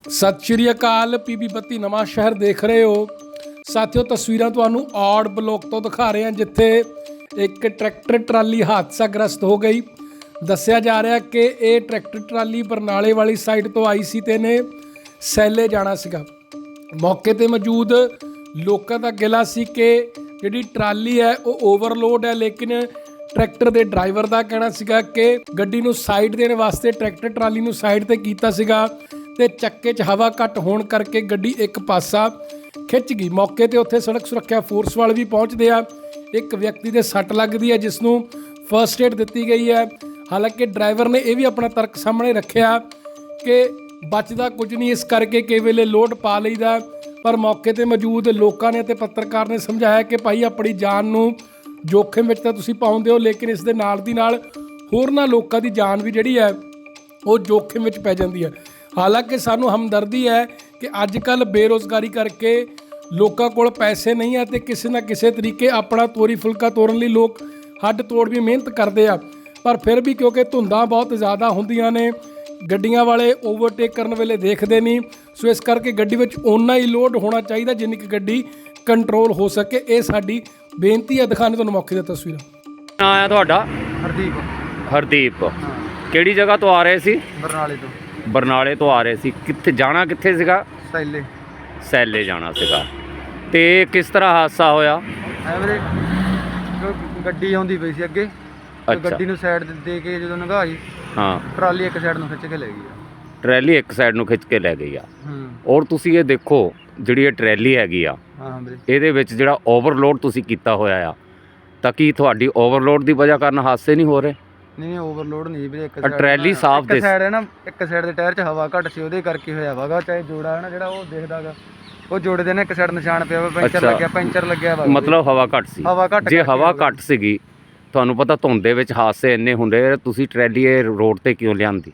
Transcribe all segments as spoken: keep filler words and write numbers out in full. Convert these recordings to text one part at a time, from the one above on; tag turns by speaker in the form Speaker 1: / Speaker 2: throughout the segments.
Speaker 1: ਸਤਿ ਸ਼੍ਰੀ ਅਕਾਲ। ਪੀਬੀ ਬੱਤੀ ਨਵਾਂ ਸ਼ਹਿਰ ਦੇਖ ਰਹੇ ਹੋ ਸਾਥੀਓ। ਤਸਵੀਰਾਂ ਤੁਹਾਨੂੰ ਔੜ ਬਲੋਕ ਤੋਂ ਦਿਖਾ ਰਹੇ ਹਾਂ, ਜਿੱਥੇ ਇੱਕ ਟਰੈਕਟਰ ਟਰਾਲੀ ਹਾਦਸਾਗ੍ਰਸਤ ਹੋ ਗਈ। ਦੱਸਿਆ ਜਾ ਰਿਹਾ ਕਿ ਇਹ ਟਰੈਕਟਰ ਟਰਾਲੀ ਬਰਨਾਲੇ ਵਾਲੀ ਸਾਈਡ ਤੋਂ ਆਈ ਸੀ ਤੇ ਨੇ ਸੈਲੇ ਜਾਣਾ ਸੀਗਾ। ਮੌਕੇ ਤੇ ਮੌਜੂਦ ਲੋਕਾਂ ਦਾ ਗਿਲਾ ਸੀ ਕਿ ਜਿਹੜੀ ਟਰਾਲੀ ਹੈ ਉਹ ਓਵਰਲੋਡ ਹੈ, ਲੇਕਿਨ ਟਰੈਕਟਰ ਦੇ ਡਰਾਈਵਰ ਦਾ ਕਹਿਣਾ ਸੀਗਾ ਕਿ ਗੱਡੀ ਨੂੰ ਸਾਈਡ ਦੇਣ ਵਾਸਤੇ ਟਰੈਕਟਰ ਟਰਾਲੀ ਨੂੰ ਸਾਈਡ ਤੇ ਕੀਤਾ ਸੀਗਾ ਤੇ ਚੱਕੇ 'ਚ ਹਵਾ ਘੱਟ ਹੋਣ ਕਰਕੇ ਗੱਡੀ ਇੱਕ ਪਾਸਾ ਖਿੱਚ ਗਈ। ਮੌਕੇ ਤੇ ਉੱਥੇ ਸੜਕ ਸੁਰੱਖਿਆ ਫੋਰਸ ਵਾਲੇ ਵੀ ਪਹੁੰਚਦੇ ਆ। ਇੱਕ ਵਿਅਕਤੀ ਦੇ ਸੱਟ ਲੱਗਦੀ ਹੈ, ਜਿਸ ਨੂੰ ਫਰਸਟ ਏਡ ਦਿੱਤੀ ਗਈ ਹੈ। ਹਾਲਾਂਕਿ ਡਰਾਈਵਰ ਨੇ ਇਹ ਵੀ ਆਪਣਾ ਤਰਕ ਸਾਹਮਣੇ ਰੱਖਿਆ ਕਿ ਬਚਦਾ ਕੁਝ ਨਹੀਂ, ਇਸ ਕਰਕੇ ਕਈ ਵੇਲੇ ਲੋਡ ਪਾ ਲਈਦਾ। ਪਰ ਮੌਕੇ ਤੇ ਮੌਜੂਦ ਲੋਕਾਂ ਨੇ ਤੇ ਪੱਤਰਕਾਰ ਨੇ ਸਮਝਾਇਆ ਕਿ ਭਾਈ ਆਪਣੀ ਜਾਨ ਨੂੰ ਜੋਖਮ ਵਿੱਚ ਤਾਂ ਤੁਸੀਂ ਪਾਉਂਦੇ ਹੋ, ਲੇਕਿਨ ਇਸ ਦੇ ਨਾਲ ਦੀ ਨਾਲ ਹੋਰਨਾਂ ਲੋਕਾਂ ਦੀ ਜਾਨ ਵੀ ਜਿਹੜੀ ਹੈ ਉਹ ਜੋਖਮ ਵਿੱਚ ਪੈ ਜਾਂਦੀ ਹੈ। ਹਾਲਾਂਕਿ ਸਾਨੂੰ ਹਮਦਰਦੀ ਹੈ ਕਿ ਅੱਜ ਕੱਲ੍ਹ ਬੇਰੁਜ਼ਗਾਰੀ ਕਰਕੇ ਲੋਕਾਂ ਕੋਲ ਪੈਸੇ ਨਹੀਂ ਹੈ ਤੇ ਕਿਸੇ ਨਾ ਕਿਸੇ ਤਰੀਕੇ ਆਪਣਾ ਤੋਰੀ ਫੁਲਕਾ ਤੋਰਨ ਲਈ ਲੋਕ ਹੱਡ ਤੋੜ ਵੀ ਮਿਹਨਤ ਕਰਦੇ ਆ। ਪਰ ਫਿਰ ਵੀ ਕਿਉਂਕਿ ਧੁੰਦਾਂ ਬਹੁਤ ਜ਼ਿਆਦਾ ਹੁੰਦੀਆਂ ਨੇ, ਗੱਡੀਆਂ ਵਾਲੇ ਓਵਰਟੇਕ ਕਰਨ ਵੇਲੇ ਦੇਖਦੇ ਨਹੀਂ, ਸੋ ਇਸ ਕਰਕੇ ਗੱਡੀ ਵਿੱਚ ਓਨਾ ਹੀ ਲੋਡ ਹੋਣਾ ਚਾਹੀਦਾ ਜਿੰਨੀ ਕਿ ਗੱਡੀ ਕੰਟਰੋਲ ਹੋ ਸਕੇ। ਇਹ ਸਾਡੀ ਬੇਨਤੀ ਹੈ। ਦਿਖਾਣੇ ਤੁਹਾਨੂੰ ਮੌਕੇ ਦੀਆਂ ਤਸਵੀਰਾਂ।
Speaker 2: ਨਾਂ ਆਇਆ ਤੁਹਾਡਾ?
Speaker 3: ਹਰਦੀਪ।
Speaker 2: ਹਰਦੀਪ। ਕਿਹੜੀ ਜਗ੍ਹਾ ਤੋਂ ਆ ਰਹੇ ਸੀ?
Speaker 3: ਬਰਨਾਲੇ ਤੋਂ।
Speaker 2: ਬਰਨਾਲੇ ਤੋਂ ਆ ਰਹੇ ਸੀ। ਕਿੱਥੇ ਜਾਣਾ ਕਿੱਥੇ ਸੀਗਾ?
Speaker 3: ਸੈਲੇ।
Speaker 2: ਸੈਲੇ ਜਾਣਾ ਸੀਗਾ। ਤੇ ਕਿਸ ਤਰ੍ਹਾਂ ਹਾਦਸਾ ਹੋਇਆ?
Speaker 3: ਐਵਰੇ ਗੱਡੀ ਆਉਂਦੀ ਪਈ ਸੀ ਅੱਗੇ, ਤੇ
Speaker 2: ਅੱਛਾ।
Speaker 3: ਗੱਡੀ ਨੂੰ ਸਾਈਡ ਦੇ ਕੇ ਜਦੋਂ ਲੰਘਾਈ,
Speaker 2: ਹਾਂ,
Speaker 3: ਟਰਾਲੀ ਇੱਕ ਸਾਈਡ ਨੂੰ ਖਿੱਚ ਕੇ ਲੈ ਗਈ ਆ।
Speaker 2: ਟਰੈਲੀ ਇੱਕ ਸਾਈਡ ਨੂੰ ਖਿੱਚ ਕੇ ਲੈ ਗਈ ਆ।
Speaker 3: ਹੂੰ।
Speaker 2: ਔਰ ਤੁਸੀਂ ਇਹ ਦੇਖੋ, ਜਿਹੜੀ ਇਹ ਟਰੈਲੀ ਹੈਗੀ ਆ,
Speaker 3: ਹਾਂ ਵੀਰੇ।
Speaker 2: ਇਹਦੇ ਵਿੱਚ ਜਿਹੜਾ ਓਵਰਲੋਡ ਤੁਸੀਂ ਕੀਤਾ ਹੋਇਆ ਆ, ਤਾਂ ਕੀ ਤੁਹਾਡੀ ਓਵਰਲੋਡ ਦੀ ਵਜ੍ਹਾ ਕਾਰਨ ਹਾਦਸੇ ਨਹੀਂ ਹੋ ਰਹੇ?
Speaker 3: ਨਹੀਂ ਨਹੀਂ ਓਵਰਲੋਡ ਨਹੀਂ ਵੀਰੇ। ਇੱਕ
Speaker 2: ਆ ਟਰੈਲੀ ਸਾਫ਼
Speaker 3: ਇੱਕ
Speaker 2: ਦਿਸ-
Speaker 3: ਸਾਈਡ ਹੈ ਨਾ, ਇੱਕ ਸਾਈਡ ਦੇ ਟਾਇਰ 'ਚ ਹਵਾ ਘੱਟ ਸੀ, ਉਹਦੇ ਕਰਕੇ ਹੋਇਆ ਵਾਗਾ। ਚਾਹੇ ਜੋੜਾ ਹੈ ਨਾ ਜਿਹੜਾ ਉਹ ਦੇਖਦਾਗਾ, ਉਹ ਜੋੜੇ ਦੇ ਨਾ ਇੱਕ ਸਾਈਡ ਨਿਸ਼ਾਨ ਪਿਆ ਵਾ, ਪੈਂਚਰ
Speaker 2: ਅੱਛਾ।
Speaker 3: ਲੱਗਿਆ ਪੈਂਚਰ ਲੱਗਿਆ ਵਾ।
Speaker 2: ਮਤਲਬ ਹਵਾ ਘੱਟ ਸੀ।
Speaker 3: ਹਵਾ ਘੱਟ
Speaker 2: ਜੇ
Speaker 3: ਕਰਕੇ
Speaker 2: ਹਵਾ
Speaker 3: ਹੋ ਗਿਆ।
Speaker 2: ਘੱਟ ਸੀਗੀ, ਤੁਹਾਨੂੰ ਪਤਾ ਧੁੰਦ ਦੇ ਵਿੱਚ ਹਾਦਸੇ ਇੰਨੇ ਹੁੰਦੇ, ਤੁਸੀਂ ਟਰੈਲੀ ਇਹ ਰੋਡ ਤੇ ਕਿਉਂ ਲਿਆਂਦੀ?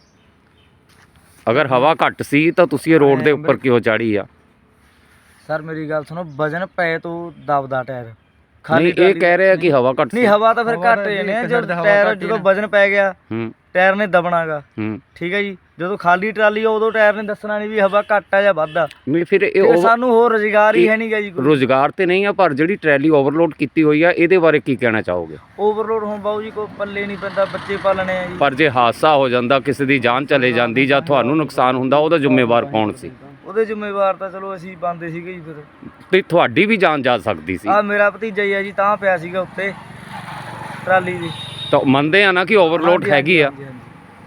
Speaker 2: ਅਗਰ ਹਵਾ ਘੱਟ ਸੀ ਤਾਂ ਤੁਸੀਂ ਇਹ ਰੋਡ ਦੇ ਉੱਪਰ ਕਿਉਂ ਚਾੜੀ ਆ?
Speaker 3: ਸਰ ਮੇਰੀ ਗੱਲ ਸੁਣੋ, ਵਜਨ ਪਏ ਤੋਂ ਦਬਦਾ ਟਾਇਰ।
Speaker 2: ਨਹੀਂ, ਇਹ ਕਹਿ ਰਹੇ ਆ ਕਿ ਹਵਾ ਘੱਟ ਸੀ।
Speaker 3: ਨਹੀਂ, ਹਵਾ ਤਾਂ ਫਿਰ ਘੱਟ ਹੀ ਨੇ। ਜਦੋਂ ਟਾਇਰ ਜਦੋਂ ਵਜਨ ਪੈ ਗਿਆ,
Speaker 2: ਹੂੰ
Speaker 3: ਟਾਇਰ ਨੇ ਦਬਣਾਗਾ।
Speaker 2: ਹੂੰ
Speaker 3: ਠੀਕ ਹੈ ਜੀ। ਜਦੋਂ ਖਾਲੀ ਟਰਾਲੀ ਆ ਉਦੋਂ ਟਾਇਰ ਨੇ ਦੱਸਣਾ ਨਹੀਂ ਵੀ ਹਵਾ ਘੱਟ ਆ ਜਾਂ ਵੱਧ ਆ।
Speaker 2: ਨਹੀਂ, ਫਿਰ ਇਹ
Speaker 3: ਤੇ
Speaker 2: ਓਵਰ-
Speaker 3: ਸਾਨੂੰ ਹੋਰ ਰੁਜ਼ਗਾਰ ਹੀ ਹੈ ਨਹੀਂਗਾ ਜੀ ਕੋਈ।
Speaker 2: ਰੁਜ਼ਗਾਰ ਤੇ ਨਹੀਂ ਆ, ਪਰ ਜਿਹੜੀ ਟਰੈਲੀ ਓਵਰਲੋਡ ਕੀਤੀ ਹੋਈ ਆ, ਇਹਦੇ ਬਾਰੇ ਕੀ ਕਹਿਣਾ ਚਾਹੋਗੇ?
Speaker 3: ਓਵਰਲੋਡ ਹੁਣ ਬਾਊ ਜੀ ਕੋਈ ਪੱਲੇ ਨਹੀਂ ਪੈਂਦਾ, ਬੱਚੇ ਪਾਲਣੇ ਆ ਜੀ।
Speaker 2: ਪਰ ਜੇ ਹਾਦਸਾ ਹੋ ਜਾਂਦਾ, ਕਿਸੇ ਦੀ ਜਾਨ ਚਲੇ ਜਾਂਦੀ ਜਾਂ ਤੁਹਾਨੂੰ ਨੁਕਸਾਨ ਹੁੰਦਾ, ਉਹਦਾ ਜ਼ਿੰਮੇਵਾਰ ਕੌਣ ਸੀ?
Speaker 3: ਉਹਦੇ ਜ਼ਿੰਮੇਵਾਰ ਤਾਂ ਚਲੋ ਅਸੀਂ ਪਾਉਂਦੇ ਸੀਗੇ ਜੀ। ਫਿਰ
Speaker 2: ਤੇ ਤੁਹਾਡੀ ਵੀ ਜਾਨ ਜਾ ਸਕਦੀ ਸੀ।
Speaker 3: ਆ ਮੇਰਾ ਭਤੀਜਾ ਹੀ ਆ ਜੀ, ਤਾਂ ਪਿਆ ਸੀਗਾ ਉੱਤੇ ਟਰਾਲੀ ਦੀ।
Speaker 2: ਤਾਂ ਮੰਨਦੇ ਆ ਨਾ ਕਿ ਓਵਰਲੋਡ
Speaker 3: ਹਾਂਜੀ,
Speaker 2: ਹੈਗੀ ਆ।
Speaker 3: ਹਾਂਜੀ, ਹਾਂਜੀ।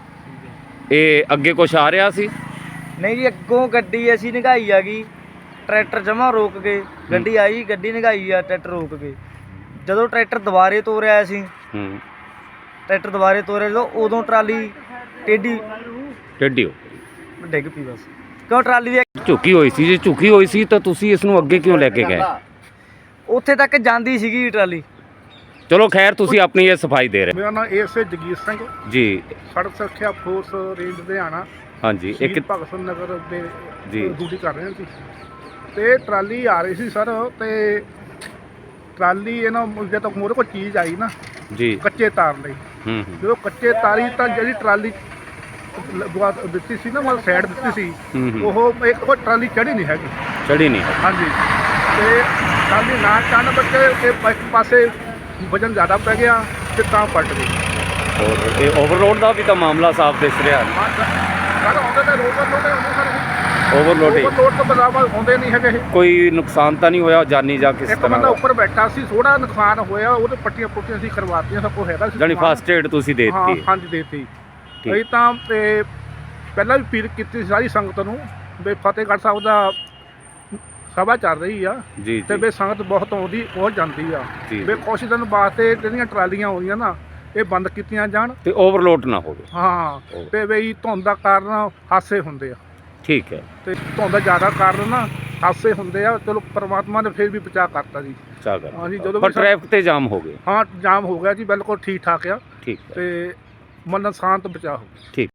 Speaker 2: ਇਹ ਅੱਗੇ ਕੁਛ ਆ ਰਿਹਾ ਸੀ?
Speaker 3: ਨਹੀਂ ਜੀ, ਅੱਗੋਂ ਗੱਡੀ ਅਸੀਂ ਨਿਗਾਈ ਆ ਗਈ, ਟਰੈਕਟਰ ਜਮਾ ਰੋਕ ਕੇ ਗੱਡੀ ਆਈ, ਗੱਡੀ ਨਿਗਾਈ ਆ, ਟਰੈਕਟਰ ਰੋਕ ਕੇ। ਜਦੋਂ ਟਰੈਕਟਰ ਦੁਬਾਰੇ ਤੋਰਿਆ ਅਸੀਂ,
Speaker 2: ਹੂੰ
Speaker 3: ਟਰੈਕਟਰ ਦੁਬਾਰੇ ਤੋਰਿਆ ਜਦੋਂ, ਉਦੋਂ ਟਰਾਲੀ ਟੇਢੀ
Speaker 2: ਟੇਢੀ ਹੋ
Speaker 3: ਡਿੱਗ ਪਈ ਬਸ। ਕਿਉਂ ਟਰਾਲੀ ਦੀ
Speaker 2: ਝੁਕੀ ਹੋਈ ਸੀ? ਜੇ ਝੁਕੀ ਹੋਈ ਸੀ ਤਾਂ ਤੁਸੀਂ ਇਸ ਨੂੰ ਅੱਗੇ ਕਿਉਂ ਲੈ ਕੇ ਗਏ?
Speaker 3: ਉੱਥੇ ਤੱਕ ਜਾਂਦੀ ਸੀਗੀ ਟਰਾਲੀ।
Speaker 2: ਚਲੋ ਖੈਰ, ਤੁਸੀਂ ਆਪਣੀ ਇਹ ਸਫਾਈ ਦੇ ਰਹੇ।
Speaker 4: ਮੇਰਾ ਨਾਮ ਏਐਸਏ ਜਗੀਰ ਸਿੰਘ,
Speaker 2: ਜੀ
Speaker 4: ਸੜਕ ਸੁਰੱਖਿਆ ਫੋਰਸ ਰੇਂਜ ਲੁਧਿਆਣਾ,
Speaker 2: ਹਾਂਜੀ।
Speaker 4: ਸ਼ਹੀਦ
Speaker 2: ਇੱਕ
Speaker 4: ਭਗਤ ਸਿੰਘ ਨਗਰ ਦੇ
Speaker 2: ਜੀ।
Speaker 4: ਡਿਊਟੀ ਕਰ ਰਹੇ ਸੀ। ਤੇ ਟਰਾਲੀ ਆ ਰਹੀ ਸੀ ਸਰ, ਤੇ ਟਰਾਲੀ ਇਹਨਾਂ ਜੇ ਤੱਕ ਮੋਰੇ ਕੋਈ ਚੀਜ਼ ਆਈ ਨਾ
Speaker 2: ਜੀ।
Speaker 4: ਕੱਚੇ ਤਾਰ ਲਈ,
Speaker 2: ਹੂੰ ਹੂੰ
Speaker 4: ਜਦੋਂ ਕੱਚੇ ਤਾਰੀ ਤਾਂ ਜਿਹੜੀ ਟਰਾਲੀ ਲਗਵਾ ਦਿੱਤੀ ਸੀ ਨਾ, ਮਤਲਬ ਸਾਈਡ ਦਿੱਤੀ ਸੀ,
Speaker 2: ਹੂੰ ਹੂੰ।
Speaker 4: ਉਹ ਇੱਕ ਕੋਈ ਟਰਾਲੀ ਚੜੀ ਨਹੀਂ ਹੈਗੀ।
Speaker 2: ਚੜੀ ਨਹੀਂ।
Speaker 4: ਹਾਂਜੀ। ਤੇ ਟਰਾਲੀ ਨਾ ਚੜ੍ਹਨ ਬੱਚੇ ਇਹ ਇੱਕ ਪਾਸੇ ਵਜਨ ਜ਼ਿਆਦਾ ਪੈ ਗਿਆ ਤੇ ਤਾਂ ਪਲਟ ਗਈ।
Speaker 2: ਔਰ ਇਹ ਓਵਰਲੋਡ ਦਾ ਵੀ ਤਾਂ ਮਾਮਲਾ ਸਾਫ਼ ਦਿਸ ਰਿਹਾ।
Speaker 4: ਸਰ ਆਉਂਦੇ ਤਾਂ ਰੋਡ ਲੋਡੇ ਹੁੰਦੇ ਸਰ,
Speaker 2: ਓਵਰਲੋਡਿੰਗ
Speaker 4: ਓਵਰਲੋਡ ਤੋਂ ਬਰਾਬਰ ਆਉਂਦੇ ਨਹੀਂ ਹੈਗੇ ਇਹ।
Speaker 2: ਕੋਈ ਨੁਕਸਾਨ ਤਾਂ ਨਹੀਂ ਹੋਇਆ ਜਾਨੀ ਜਾਂ ਕਿਸ
Speaker 4: ਇੱਕ
Speaker 2: ਤਰ੍ਹਾਂ
Speaker 4: ਬੰਦਾ
Speaker 2: ਦਾ?
Speaker 4: ਉੱਪਰ ਬੈਠਾ ਸੀ, ਥੋੜਾ ਨੁਕਸਾਨ ਹੋਇਆ, ਉਹਦੇ ਪੱਟੀਆਂ ਪੁੱਟੀਆਂ ਅਸੀਂ ਕਰਵਾਤੀਆਂ, ਸਭ ਕੁਝ ਹੈਗਾ ਸੀ।
Speaker 2: ਜਾਨੀ
Speaker 4: ਸਮਾਨ।
Speaker 2: ਫਸਟ ਏਡ ਤੁਸੀਂ ਦੇ
Speaker 4: ਹਾਂ
Speaker 2: ਦਿੱਤੀ?
Speaker 4: ਹਾਂਜੀ ਦੇਤੀ।
Speaker 2: ਠੀਕ।
Speaker 4: ਅਸੀਂ ਤਾਂ ਤੇ ਪਹਿਲਾਂ ਵੀ ਅਪੀਲ ਕੀਤੀ ਸੀ ਸਾਰੀ ਸੰਗਤ ਨੂੰ ਵੀ ਫਤਿਹਗੜ੍ਹ ਸਾਹਿਬ ਦਾ ਸਭਾ ਚੱਲ ਰਹੀ ਆ,
Speaker 2: ਜੀ
Speaker 4: ਤੇ
Speaker 2: ਜੀ
Speaker 4: ਵੀ ਸੰਗਤ ਬਹੁਤ ਆਉਂਦੀ ਬਹੁਤ ਜਾਂਦੀ ਆ,
Speaker 2: ਜੀ।
Speaker 4: ਵੀ ਕੁਛ ਦਿਨ ਵਾਸਤੇ ਜਿਹੜੀਆਂ ਟਰਾਲੀਆਂ ਆਉਂਦੀਆਂ ਨਾ ਇਹ ਬੰਦ ਕੀਤੀਆਂ ਜਾਣ।
Speaker 2: ਤੇ ਓਵਰਲੋਡ ਨਾ ਹੋਵੇ।
Speaker 4: ਹਾਂ, ਤੇ ਵੀ ਧੁੰਦ ਦਾ ਕਾਰਨ ਹਾਦਸੇ ਹੁੰਦੇ ਆ,
Speaker 2: ਠੀਕ ਹੈ।
Speaker 4: ਤੇ ਧੁੰਦ ਦਾ ਜ਼ਿਆਦਾ ਕਾਰਨ ਨਾ ਹਾਦਸੇ ਹੁੰਦੇ ਆ। ਚਲੋ ਪਰਮਾਤਮਾ ਨੇ ਫਿਰ ਵੀ ਬਚਾਅ ਕਰਤਾ ਜੀ।
Speaker 2: ਚਾਗਰ
Speaker 4: ਹਾਂਜੀ, ਜਦੋਂ
Speaker 2: ਪਰ
Speaker 4: ਵੀ ਸਾ-
Speaker 2: ਟ੍ਰੈਫਿਕ ਤੇ ਜਾਮ ਹੋ ਗਏ।
Speaker 4: ਹਾਂ ਜਾਮ ਹੋ ਗਿਆ ਜੀ, ਬਿਲਕੁਲ ਠੀਕ ਠਾਕ ਆ,
Speaker 2: ਠੀਕ ਹੈ,
Speaker 4: ਤੇ ਮਨ ਸ਼ਾਂਤ ਬਚਾਅ ਹੋ ਗਿਆ।
Speaker 2: ਠੀਕ।